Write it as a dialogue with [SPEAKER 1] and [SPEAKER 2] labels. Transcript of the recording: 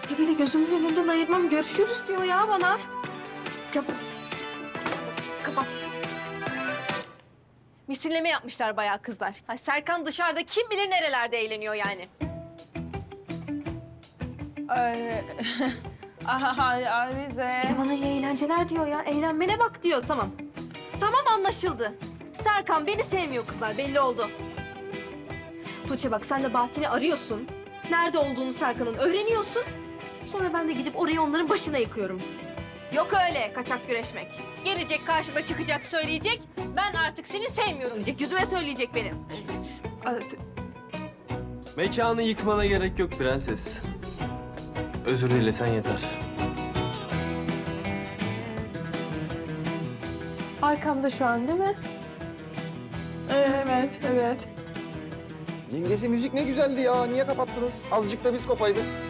[SPEAKER 1] Ya bir de gözümün önünden ayırmam, görüşürüz diyor ya bana. Ya, kapat. Misilleme yapmışlar bayağı kızlar. Ay Serkan dışarıda kim bilir nerelerde eğleniyor yani.
[SPEAKER 2] Ay, Alize.
[SPEAKER 1] Bir de bana iyi eğlenceler diyor ya. Eğlenmene bak diyor. Tamam. Tamam, anlaşıldı. Serkan beni sevmiyor kızlar, belli oldu. Tuğçe bak, sen de Bahattin'i arıyorsun. Nerede olduğunu Serkan'ın öğreniyorsun. Sonra ben de gidip orayı onların başına yıkıyorum. Yok öyle kaçak güreşmek. Gelecek karşıma çıkacak söyleyecek. Ben artık seni sevmiyorum diyecek. Yüzüme söyleyecek benim.
[SPEAKER 3] Mekanı yıkmana gerek yok prenses. Özür dilesen yeter.
[SPEAKER 1] Arkamda şu an değil mi?
[SPEAKER 2] Evet, evet.
[SPEAKER 4] Yengesi müzik ne güzeldi ya. Niye kapattınız? Azıcık da biz kopaydık.